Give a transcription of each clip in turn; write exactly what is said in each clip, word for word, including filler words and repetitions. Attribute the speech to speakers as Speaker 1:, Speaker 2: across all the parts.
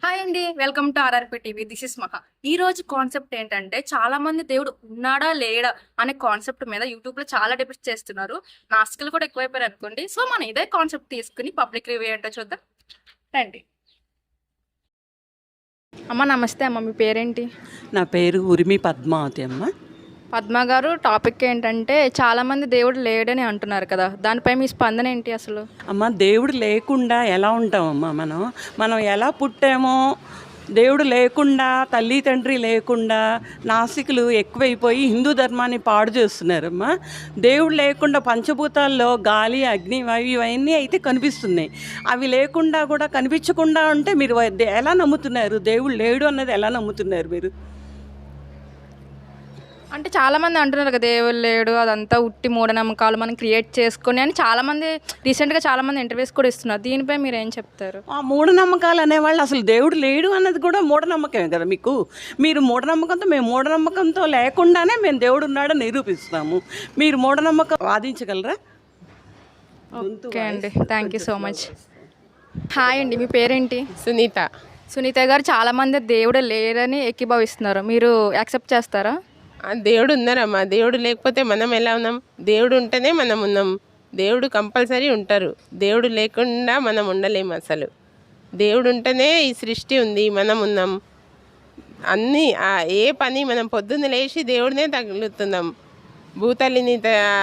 Speaker 1: Hi అండి. Welcome to RRP TV. This is Maha. ఈ రోజు కాన్సెప్ట్ ఏంటంటే చాలా మంది దేవుడు ఉన్నాడా లేడా అనే కాన్సెప్ట్ మీద యూట్యూబ్‌లో చాలా డిబేట్స్ చేస్తున్నారు. నాస్తికులు కూడా ఎక్కువైపోయారు అనుకోండి. సో మనం ఇదే కాన్సెప్ట్ తీసుకుని పబ్లిక్ రివ్యూ ఏంటో చూద్దాం. రండి. అమ్మ నమస్తే అమ్మ. మీ పేరేంటి?
Speaker 2: నా పేరు ఉరిమి పద్మావతి అమ్మ.
Speaker 1: పద్మ గారు, టాపిక్ ఏంటంటే చాలా మంది దేవుడు లేడని అంటున్నారు కదా, దానిపై మీ స్పందన ఏంటి అసలు?
Speaker 2: అమ్మ దేవుడు లేకుండా ఎలా ఉంటామమ్మా? మనం మనం ఎలా పుట్టామో, దేవుడు లేకుండా, తల్లి తండ్రి లేకుండా నాస్తికులు ఎక్కువైపోయి హిందూ ధర్మాన్ని పాడు చేస్తున్నారమ్మా. దేవుడు లేకుండా పంచభూతాల్లో గాలి, అగ్ని, వాయు ఇవన్నీ అయితే కనిపిస్తున్నాయి. అవి లేకుండా కూడా కనిపించకుండా ఉంటే మీరు ఎలా నమ్ముతున్నారు? దేవుడు లేడు అన్నది ఎలా నమ్ముతున్నారు మీరు?
Speaker 1: అంటే చాలా మంది అంటున్నారు కదా దేవుడు లేడు, అదంతా ఉట్టి మూఢనమ్మకాలు మనం క్రియేట్ చేసుకొని అని చాలా మంది రీసెంట్గా చాలా మంది ఇంటర్వ్యూస్ కూడా ఇస్తున్నారు. దీనిపై మీరు ఏం చెప్తారు?
Speaker 2: ఆ మూఢనమ్మకాలు అనేవాళ్ళు అసలు దేవుడు లేడు అన్నది కూడా మూఢనమ్మకమే కదా మీకు. మీరు మూఢనమ్మకంతో, మేము మూఢనమ్మకంతో లేకుండానే మేము దేవుడు ఉన్నాడని నిరూపిస్తాము. మీరు మూఢనమ్మకం వాదించగలరా?
Speaker 1: ఓకే అండి, thank you so much. Hi అండి, మీ పేరేంటి?
Speaker 3: సునీత.
Speaker 1: సునీత గారు, చాలా మంది దేవుడు లేరని ఏకీభవిస్తున్నారు, మీరు యాక్సెప్ట్ చేస్తారా?
Speaker 3: ఆ దేవుడు ఉన్నారమ్మా. దేవుడు లేకపోతే మనం ఎలా ఉన్నాం? దేవుడు ఉంటేనే మనం ఉన్నాం. దేవుడు కంపల్సరీ ఉంటారు. దేవుడు లేకుండా మనం ఉండలేము అసలు. దేవుడు ఉంటేనే ఈ సృష్టి ఉంది, మనం ఉన్నాం. అన్నీ ఏ పని మనం పొద్దున్న లేచి దేవుడినే తగులుతున్నాం. భూతల్లిని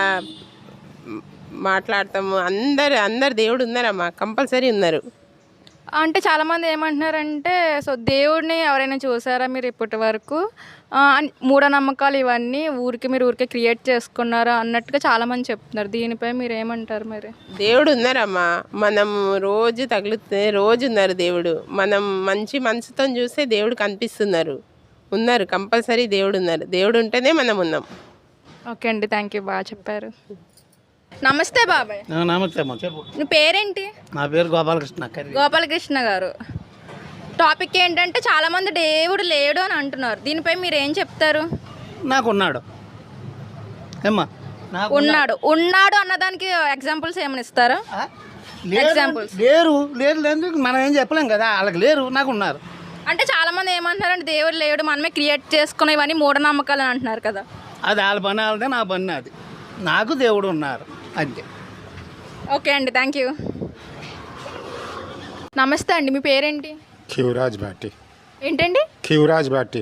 Speaker 3: మాట్లాడతాము. అందరు అందరు దేవుడు ఉన్నారమ్మా, కంపల్సరీ ఉన్నారు.
Speaker 1: అంటే చాలామంది ఏమంటున్నారంటే, సో దేవుడిని ఎవరైనా చూసారా మీరు ఇప్పటి వరకు, మూఢనమ్మకాలు ఇవన్నీ ఊరికి మీరు ఊరికే క్రియేట్ చేసుకున్నారా అన్నట్టుగా చాలామంది చెప్తున్నారు. దీనిపై మీరు ఏమంటారు మరి?
Speaker 3: దేవుడు ఉన్నారమ్మా, మనం రోజు తగులుతే రోజు ఉన్నారు దేవుడు. మనం మంచి మనసుతో చూస్తే దేవుడు కనిపిస్తున్నారు. ఉన్నారు, కంపల్సరీ దేవుడు ఉన్నారు. దేవుడు ఉంటేనే మనం ఉన్నాం.
Speaker 1: ఓకే అండి, థ్యాంక్ యూ, బాగా చెప్పారు. నమస్తే బాబాయ్.
Speaker 4: నమస్తే అమ్మ, చెప్పు.
Speaker 1: నీ పేరేంటి?
Speaker 4: నా పేరు గోపాలకృష్ణ.
Speaker 1: గోపాలకృష్ణ గారు, టాపిక్ ఏంటంటే చాలా మంది దేవుడు లేడు అని అంటున్నారు. దీనిపై మీరు ఏం చెప్తారు?
Speaker 4: నాకు ఉన్నాడు ఏమ్మా, నాకు
Speaker 1: ఉన్నాడు ఉన్నాడు అన్నదానికి ఎగ్జాంపుల్స్ ఏమైనా ఇస్తారా? ఎగ్జాంపుల్స్
Speaker 4: లేరు లేరు లేదు మనం ఏం చెప్పలేం కదా. వాళ్ళకి లేరు, నాకు ఉన్నారు.
Speaker 1: అంటే చాలా మంది ఏమంటున్నారంటే దేవుడు లేడు, మనమే క్రియేట్ చేసుకునే ఇవన్నీ మూఢనమ్మకాలు అని అంటున్నారు కదా.
Speaker 4: అది వాళ్ళ పని వాళ్ళదే, నా పని అది. నాకు దేవుడు ఉన్నారు అంతే.
Speaker 1: ఓకే అండి, థ్యాంక్ యూ. నమస్తే అండి, మీ పేరేంటి?
Speaker 5: ఖివరాజ్ భాటి.
Speaker 1: ఏంటండి?
Speaker 5: ఖివరాజ్ భాటి.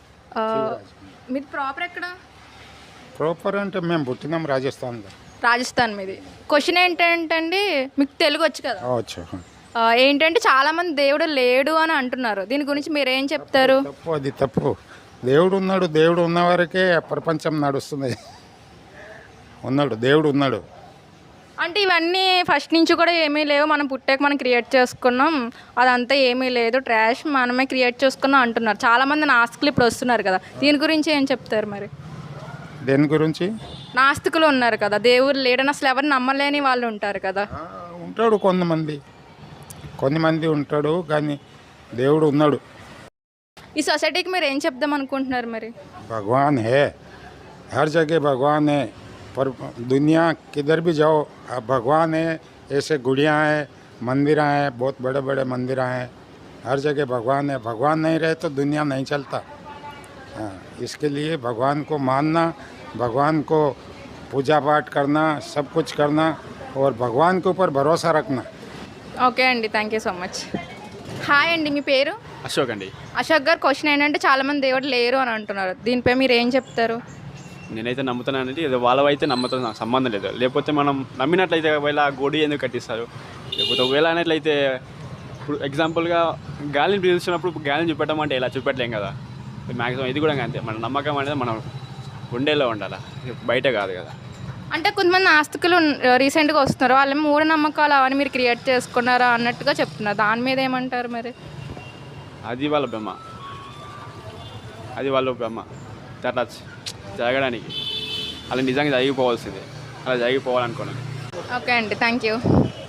Speaker 1: మీది ప్రాపర్ ఎక్కడ?
Speaker 5: ప్రాపర్ అంటే మేము పుట్టినాం రాజస్థాన్లో.
Speaker 1: రాజస్థాన్ మీది. క్వశ్చన్ ఏంటంటే, మీకు తెలుగు వచ్చు కదా?
Speaker 5: వచ్చు.
Speaker 1: ఏంటంటే చాలా మంది దేవుడు లేడు అని అంటున్నారు. దీని గురించి మీరు ఏం చెప్తారు?
Speaker 5: తప్పు, అది తప్పు. దేవుడు ఉన్నాడు. దేవుడు ఉన్న వరకే ప్రపంచం నడుస్తుంది. ఉన్నాడు, దేవుడు ఉన్నాడు.
Speaker 1: అంటే ఇవన్నీ ఫస్ట్ నుంచి కూడా ఏమీ లేవు, మనం పుట్టాక మనం క్రియేట్ చేసుకున్నాం, అదంతా ఏమీ లేదు, ట్రాష్, మనమే క్రియేట్ చేసుకున్నాం అంటున్నారు. చాలామంది నాస్తికులు ఇప్పుడు వస్తున్నారు కదా, దీని గురించి ఏం చెప్తారు మరి?
Speaker 5: దేని గురించి?
Speaker 1: నాస్తికులు ఉన్నారు కదా, దేవుడు లేడని అసలు ఎవరు నమ్మలేని వాళ్ళు ఉంటారు కదా.
Speaker 5: ఉంటాడు, కొంతమంది కొంతమంది ఉంటాడు, కానీ దేవుడు ఉన్నాడు.
Speaker 1: ఈ సొసైటీకి మీరు ఏం చెప్దాం అనుకుంటున్నారు మరి?
Speaker 5: భగవాన్ హే, హర్ జగह भगवान है, पर दुनिया किधर भी जाओ भगवान है. ऐसे गुड़ियाँ हैं, मंदिर हैं, बहुत बड़े बड़े मंदिर हैं, हर जगह भगवान है. भगवान नहीं रहे तो दुनिया नहीं चलता. हाँ, इसके लिए भगवान को मानना, भगवान को पूजा पाठ करना, सब कुछ करना और भगवान के ऊपर भरोसा रखना.
Speaker 1: ఓకే అండి, thank you so much. Hi అండి, మీ పేరు?
Speaker 6: అశోక్ అండి.
Speaker 1: అశోక్ గారు, క్వశ్చన్ ఏంటంటే చాలా మంది దేవుడు లేరు అని అంటున్నారు. దీనిపై మీరు ఏం చెప్తారు?
Speaker 6: నేనైతే నమ్ముతానంటే ఏదో వాళ్ళవైతే నమ్మతో నాకు సంబంధం లేదు. లేకపోతే మనం నమ్మినట్లయితే ఒకవేళ గోడి ఎందుకు కట్టిస్తారు? లేకపోతే ఒకవేళ అనేట్లయితే ఇప్పుడు ఎగ్జాంపుల్గా గాలిని పీల్చినప్పుడు గాలిని చూపెట్టడం అంటే ఇలా చూపెట్టలేం కదా. మ్యాక్సిమం ఇది కూడా అంతే, మన నమ్మకం అనేది మనం ఉండేలో ఉండాలి, బయట కాదు కదా.
Speaker 1: అంటే కొంతమంది ఆస్తికులు రీసెంట్గా వస్తున్నారు, వాళ్ళు మూఢనమ్మకాలు అవన్నీ మీరు క్రియేట్ చేసుకున్నారా అన్నట్టుగా చెప్తున్నారు. దాని మీద ఏమంటారు మరి?
Speaker 6: అది వాళ్ళ బొమ్మ, అది వాళ్ళ బొమ్మ. అట్లా జరగడానికి అలా నిజంగా జరిగిపోవాల్సిందే, అలా జరిగిపోవాలనుకున్నాను.
Speaker 1: ఓకే అండి, థ్యాంక్ యూ.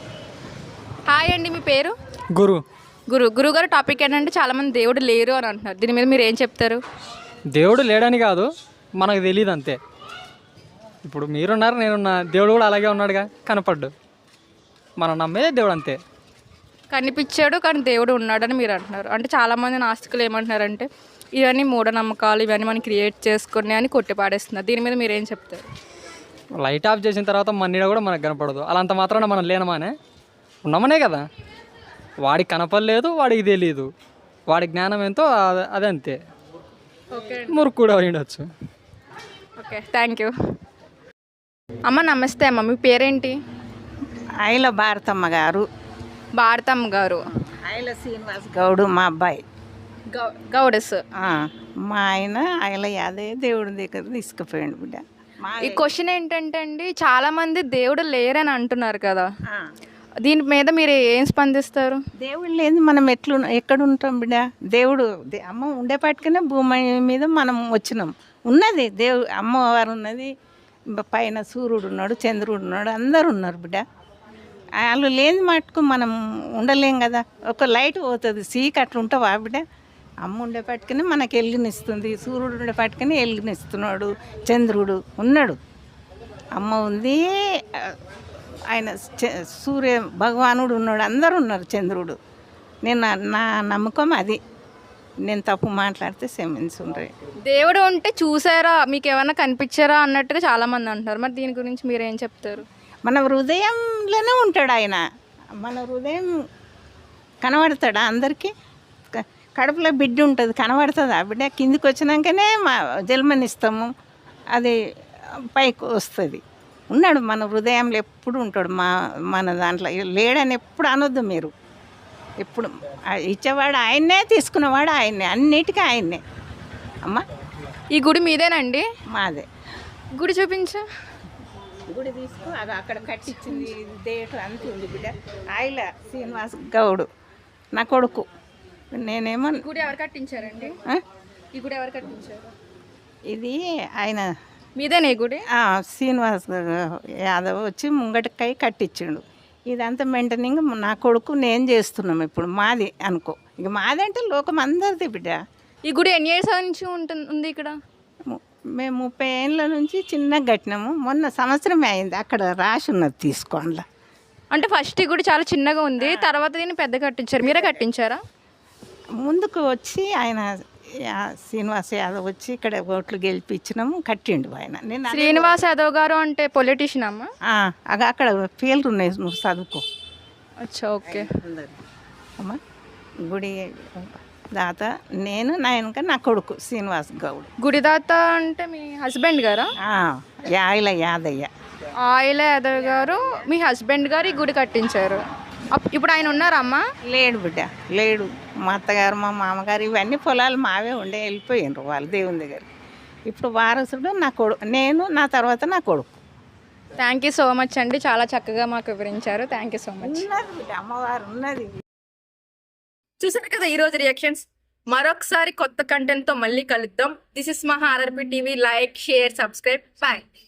Speaker 1: హాయ్ అండి, మీ పేరు?
Speaker 7: గురు.
Speaker 1: గురు గురువు గారు, టాపిక్ ఏంటంటే చాలామంది దేవుడు లేరు అని అంటున్నారు. దీని మీద మీరు ఏం చెప్తారు?
Speaker 7: దేవుడు లేడని కాదు, మనకు తెలియదు అంతే. ఇప్పుడు మీరున్నారు, నేనున్నా, దేవుడు కూడా అలాగే ఉన్నాడుగా, కనపడ్డు. మనం నమ్మేదే దేవుడు అంతే.
Speaker 1: కనిపించాడు కానీ దేవుడు ఉన్నాడని మీరు అంటున్నారు. అంటే చాలామంది నాస్తికులు ఏమంటున్నారంటే ఇవన్నీ మూఢనమ్మకాలు, ఇవన్నీ మనం క్రియేట్ చేసుకుని అని కొట్టిపాడేస్తున్నారు. దీని మీద మీరు ఏం చెప్తారు?
Speaker 7: లైట్ ఆఫ్ చేసిన తర్వాత మన నీడ కూడా మనకు కనపడదు. అలాంత మాత్రాన మనం లేనమానే ఉన్నామనే కదా. వాడికి కనపడలేదు, వాడికి తెలియదు. వాడి జ్ఞానం ఎంతో అద- అదంతే.
Speaker 1: ఓకే
Speaker 7: మురుకు కూడా ఉండొచ్చు.
Speaker 1: Okay thank you. అమ్మ నమస్తే అమ్మ, మీ పేరేంటి?
Speaker 8: ఐల భారతమ్మ గారు,
Speaker 1: భారతమ్మ గారు.
Speaker 8: ఐల శ్రీనివాస్ గౌడు మా అబ్బాయి.
Speaker 1: గౌ గౌడెస్.
Speaker 8: ఆ, మా ఆయన ఐల యాదే దేవుడి దగ్గర తీసుకుపోయాడు బిడ్డ. మా
Speaker 1: ఈ క్వశ్చన్ ఏంటంటే అండి, చాలా మంది దేవుడు లేరని అంటున్నారు కదా,
Speaker 8: ఆ,
Speaker 1: దీని మీద మీరు ఏం స్పందిస్తారు?
Speaker 8: దేవుడు లేదు మనం ఎట్లు ఎక్కడ ఉంటాం బిడ్డ? దేవుడు దే- అమ్మ ఉండేపాటికనే భూమి మీద మనం వచ్చినాం. ఉన్నది దేవు అమ్మవారు ఉన్నది, బ- పైన సూర్యుడు ఉన్నాడు, చంద్రుడు ఉన్నాడు, అందరు ఉన్నారు బిడ్డ. వాళ్ళు లేని మటుకు మనం ఉండలేం కదా. ఒక లైట్ పోతుంది, సీక్ అట్లా ఉంటావా బిడ్డ? అమ్మ ఉండేపాటికనే మనకు వెలుగునిస్తుంది, సూర్యుడు ఉండేపాటికనే వెలుగునిస్తున్నాడు, చంద్రుడు ఉన్నాడు, అమ్మ ఉంది, ఆ, ఆయన చ- సూర్య భగవానుడు ఉన్నాడు, అందరూ ఉన్నారు, చంద్రుడు. నేను నా- నా నమ్మకం అది. నేను తప్పు మాట్లాడితే క్షమించుండ్రి.
Speaker 1: దేవుడు ఉంటే చూసారా, మీకు ఏమైనా కనిపించారా అన్నట్టుగా చాలా మంది అంటున్నారు. మరి దీని గురించి మీరు ఏం చెప్తారు?
Speaker 8: మన హృదయంలోనే ఉంటాడు ఆయన. మన హృదయం కనబడతాడా అందరికీ? క- కడుపులో బిడ్డ ఉంటుంది, కనబడుతుంది ఆ బిడ్డ. కిందికి వచ్చినాకనే మా జన్మనిస్తాము, అది పైకి వస్తుంది. ఉన్నాడు మన హృదయంలో, ఎప్పుడు ఉంటాడు. మా మన దాంట్లో లేడని ఎప్పుడు అనొద్దు మీరు. ఎప్పుడు ఆ ఇచ్చేవాడు ఆయన్నే, తీసుకునేవాడు ఆయన్నే, అన్నిటికీ ఆయన్నే. అమ్మ
Speaker 1: ఈ గుడి మీదేనండి?
Speaker 8: మాదే.
Speaker 1: గుడి చూపించు.
Speaker 8: గుడి తీసుకో, అది అక్కడ కట్టించింది డేట్ అంత ఉంది బిడ్డ. ఆయిల శ్రీనివాస్ గౌడు నా కొడుకు. నేనేమో
Speaker 1: గుడి ఎవరు కట్టించారండి?
Speaker 8: ఆ?
Speaker 1: ఈ గుడి ఎవరు కట్టించారు?
Speaker 8: ఇది ఆయన
Speaker 1: మీదేనా ఈ గుడి?
Speaker 8: ఆ, శ్రీనివాస్ యాదవ్ వచ్చి ముంగటికాయ కట్టించిండు. ఇదంతా మెయింటైనింగ్ నా కొడుకు నేను చేస్తున్నాం ఇప్పుడు. మాది అనుకో, ఇక మాది అంటే లోకం అందరిది బిడ్డ.
Speaker 1: ఈ గుడి ఎన్ని ఇయర్స్ నుంచి ఉంటుంది ఉంది ఇక్కడ?
Speaker 8: ము- మేము ముప్పై ఏళ్ళ నుంచి చిన్నగా కట్టినాము. మొన్న సంవత్సరమే అయింది, అక్కడ రాసి ఉన్నది తీసుకోండి.
Speaker 1: అంటే ఫస్ట్ ఈ గుడి చాలా చిన్నగా ఉంది, తర్వాత దీన్ని పెద్ద కట్టించారు. మీరే కట్టించారా?
Speaker 8: ముందుకు వచ్చి ఆయన యా- శ్రీనివాస్ యాదవ్ వచ్చి ఇక్కడ ఓట్లు గెలిపించినాము, కట్టిండు ఆయన. నేను అదే-
Speaker 1: శ్రీనివాస్ యాదవ్ గారు అంటే పొలిటీషియన్ అమ్మ?
Speaker 8: ఆ, అగ- అక్కడ పేర్లు ఉన్నాయి, నువ్వు చదువుకో.
Speaker 1: అచ్చా ఓకే.
Speaker 8: అమ్మ గుడి దాత నేను, నా వెనక నా కొడుకు శ్రీనివాస్ గౌడ్.
Speaker 1: గుడిదాత అంటే మీ హస్బెండ్ గారా?
Speaker 8: ఆ, యాయిల యాదయ్య.
Speaker 1: ఆయిల యాదవ్ గారు మీ హస్బెండ్ గారు ఈ గుడి కట్టించారు. అప్- ఇప్పుడు ఆయన ఉన్నారా అమ్మ?
Speaker 8: లేడు బిడ్డ, లేడు. మా అత్తగారు మా మామగారు ఇవన్నీ పొలాలు మావే ఉండే, వెళ్ళిపోయినారు వాళ్ళు దేవుని దగ్గర. ఇప్పుడు వారసుడు నా కొడుకు, నేను, నా తర్వాత నా కొడుకు.
Speaker 1: థ్యాంక్ యూ సో మచ్ అండి, చాలా చక్కగా మాకు వివరించారు. Thank you so much.
Speaker 8: ఉన్నది బిడ్డ, అమ్మవారు ఉన్నది.
Speaker 1: చూసారు కదా ఈ రోజు రియాక్షన్స్. మరొకసారి కొత్త కంటెంట్ తో మళ్ళీ కలుద్దాం. This is Maha RRP TV. Like, share, subscribe. Bye.